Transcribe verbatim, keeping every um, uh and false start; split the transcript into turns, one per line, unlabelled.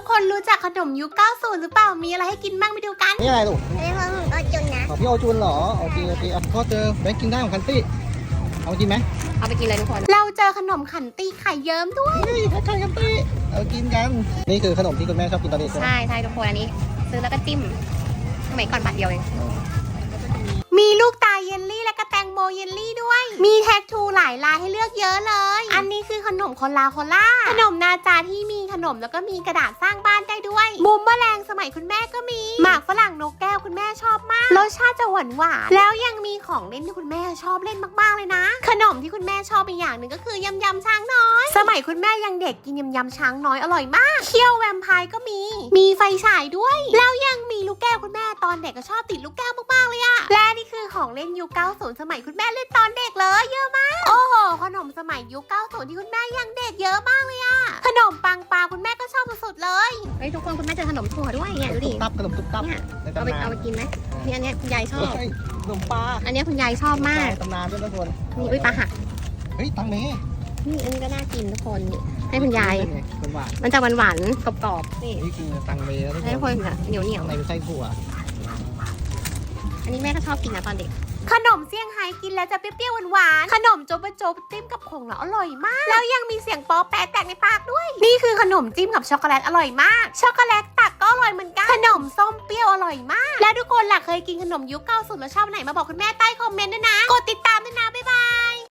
คนรู้จักขนมยุคเก้าสิบหรือเปล่ามีอะไรให้กินบ้างไปดูกัน
นี่อะไรลูก
นี่ของโอจุนนะ
ของพี่โอจุนเหรอโอเคโอเคเอาพ่อเจอแบงค์กินได้ของคันตี้เอากินไหม
เอาไปกินเลยทุกคน
เราเจอขนมขันตีไข่เยิ้มด้วย
เฮ้ยคันตี้เอากินกันนี่คือขนมที่คุณแม่ชอบกินตอนเด็กใช่ไหม
ใช่ใช่ทุกคนอันนี้ซื้อแล้วก็จิ้มสมัยก่อนบาทเดียวเอง
มีลูกตาเยลลี่และก็แตงโมเยลลี่ด้วยมีแท็กทูหลายลายให้เลือกเยอะเลยอันนี้คือขนมโคลาโคล่าขนมนาจาที่มีขนมแล้วก็มีกระดาษสร้างบ้านได้ด้วยมุมแมลงสมัยคุณแม่ก็มีหมากฝรั่งนกแก้วคุณแม่ชอบมากรสชาติจะหวานหวานแล้วยังมีของเล่นที่คุณแม่ชอบเล่นมากๆเลยนะขนมที่คุณแม่ชอบอีกอย่างหนึ่งก็คือยำยำช้างน้อยสมัยคุณแม่ยังเด็กกินยำยำช้างน้อยอร่อยมากเคี่ยวแวมไพร์ก็มีมีไฟฉายด้วยแล้วยังมีลูกแก้วคุณแม่ตอนเด็กก็ชอบติดลูกแก้วมากๆเลยอะและนี่คือของเล่นยุคเก้าสิบสมัยคุณแม่เล่นตอนเด็กเลยเยอะมากโอ้โหขนมสมัยยุคเก้าสิบที่คุณแม่ยังเด็กเยอะมากเลยอะขนมปังปลาคุณแม่ก็ชอบสุดๆเลย
เฮ้ยทุกคนคุณแม่เจอขนมถั่วด้วยเนี่ยดูดิ
ตุ๊บตับขนมตุ๊บตับ
เนี่ย
ใน
เอาไป
ตำนาน
เอาไปกินไหมนี่อันเนี้ยคุณยายชอบ
เฮ้ยขนมปลา
อันเนี้ยคุณยายชอบมาก
ตำนานด้วยทุกคน
นี่อุ้ยปลาหัก
เฮ้ยตังเม
นี่อันนี้ก็น่ากินทุกคนนี่ให้คุณยาย
เป็นหวาน
มันจะหวานหวานๆกรอบๆนี่
นี่คือตังเมแล้วทุก
ให้ทุก
ค
คน นเหนียวเหนียว
ข้างในเป็นไส้ถั่ว
อันนี้แม่ก็ชอบกินนะตอนเด็ก
ขนมเซี่ยงไฮ้กินแล้วจะเปรี้ยวๆหวานๆขนมโจบะโจบจิ้มกับผงแล้วอร่อยมากแล้วยังมีเสียงป๊อแปะแตกในปากด้วย นี่คือขนมจิ้มกับช็อกโกแลตอร่อยมากช็อกโกแลตตักก็อร่อยเหมือนกันขนมส้มเปรี้ยวอร่อยมากและทุกคนล่ะเคยกินขนมยุคเก้าสิบแล้วชอบไหนมาบอกคุณแม่ใต้คอมเมนต์ด้วยนะกดติดตามด้วยนะบ๊ายบาย